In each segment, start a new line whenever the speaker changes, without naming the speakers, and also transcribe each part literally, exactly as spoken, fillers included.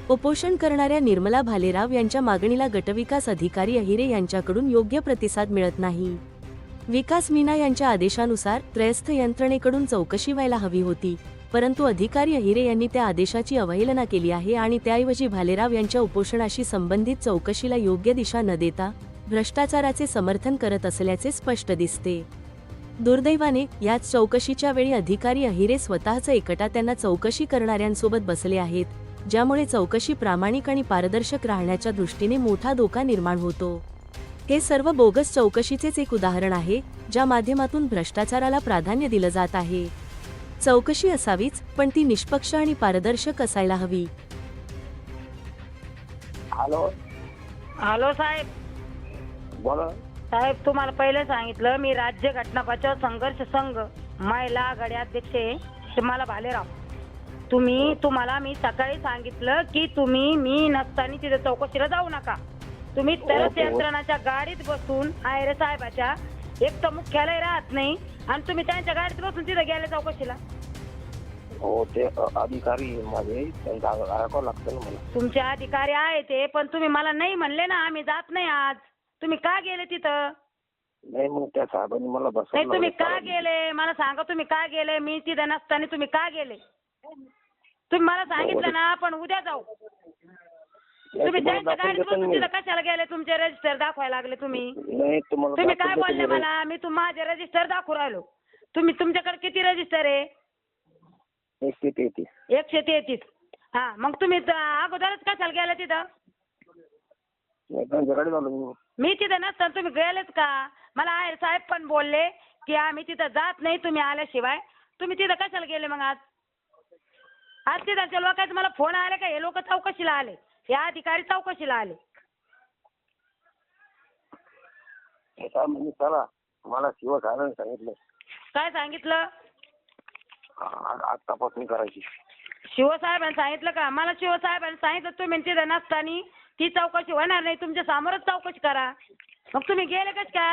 उपोषण करणाऱ्या निर्मला भालेराव यांच्या मागणीला गटविकास अधिकारी अहिरे यांच्याकडून योग्य प्रतिसाद मिळत नाही. विकास मीना यांच्या आदेशानुसार त्रयस्थ यंत्रणेकडून चौकशी व्हायला हवी होती, परंतु अधिकारी अहिरे यांनी त्या आदेशाची अवहेलना केली आहे आणि त्याऐवजी भालेराव यांच्या उपोषणाशी संबंधित चौकशीला योग्य दिशा न देता भ्रष्टाचाराचे समर्थन करत असल्याचे स्पष्ट दिसते. दुर्दैवाने याच चौकशीच्या वेळी अधिकारी अहिरे स्वतःच एकटा त्यांना चौकशी करणाऱ्यांसोबत बसले आहेत, ज्यामुळे चौकशी प्रामाणिक आणि पारदर्शक राहण्याच्या दृष्टीने मोठा धोका निर्माण होतो. हे सर्व बोगस चौकशीचेच एक उदाहरण आहे, ज्या माध्यमातून भ्रष्टाचाराला प्राधान्य दिलं जात आहे. चौकशी असावीच, पण ती निष्पक्ष आणि पारदर्शक असायला हवी.
हॅलो
हॅलो साहेब.
बोला
साहेब, तुम्हाला पहिले सांगितलं मी राज्य घटना बचाव संघर्ष संघ महिला आघाडी अध्यक्ष आहे तुम्हाला भालेराव. तुम्ही तुम्हाला मी सकाळी सांगितलं की तुम्ही मी नसताना तिथे चौकशीला जाऊ नका. तुम्ही तरच यंत्रणाच्या गाडीत बसून आयरे साहेबाच्या एक तर मुख्यालय राहत नाही आणि तुम्ही त्यांच्या गाडीत बसून तिथे गेले चौकशीला.
हो ते अधिकारी माझे त्यांचा ऐकावं लागतं ना मला.
तुमचे अधिकारी आहे ते, पण तुम्ही मला नाही म्हणले ना आम्ही जात नाही आज. तुम्ही का गेले तिथं?
नाही मग त्या साहेबांनी मला
नाही
बसवलं.
तुम्ही का गेले मला सांगा. तुम्ही का गेले? मी तिथे नसताना तुम्ही का गेले? तुम्ही मला सांगितलं ना आपण उद्या जाऊ. तुम्ही त्यांच्या गाडीत बसून तिथं कशाला गेले? तुमचे रजिस्टर दाखवायला लागले तुम्ही.
नाही तुम्हाला
तुम्ही काय बोलले मला? मी तुम माझे रजिस्टर दाखवू राहिलो. तुम्ही तुमच्याकडे किती रजिस्टर आहे?
एकशे तेहतीस.
एकशे तेहतीस. हा मग तुम्ही त- अगोदरच कशाला गेले तिथं?
त्यांच्या गाडीत आलो मी.
मी तिथं नसताना तुम्ही गेलेत का? मला आहे साहेब पण बोलले की आम्ही तिथं जात नाही तुम्ही आल्याशिवाय. तुम्ही तिथं कशाला गेले मग आज? आज तिथच्या लोकांचे मला फोन आले का हे लोक चौकशीला आले, या अधिकारी चौकशीला आले?
हे साहेब म्हणजे चला मला शिव साहेबांनी सांगितलं
काय सांगितलं?
आज आज तपासणी करायची.
शिवसाहेबांनी सांगितलं का? मला शिवसाहेबांनी सांगितलं तुम्ही तिथं नसताना ती चौकशी होणार नाही, तुमच्या समोरच चौकशी करा. मग तुम्ही गेले कस काय?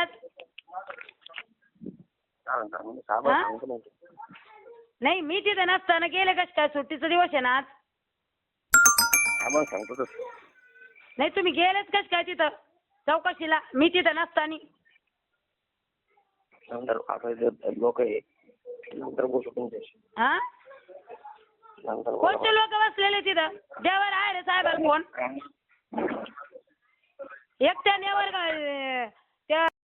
चालेल चालेल म्हणजे साहेबांनी
हा?
सांगितलं नव्हतं.
नाही मी तिथं नसताना गेले कस काय? सुट्टीचा दिवस आहे ना आज.
साहेबांनी सांगतो तसं.
नाही तुम्ही गेलेच कस काय तिथं चौकशीला मी तिथं नसताना?
नंतर आता लोक आहे नंतर बोलू तुमच्याशी.
हा
नंतर बोला.
कोणते लोक बसलेले तिथं? देवर आहे रे साहेबाला फोन. एकट्या नेवर त्या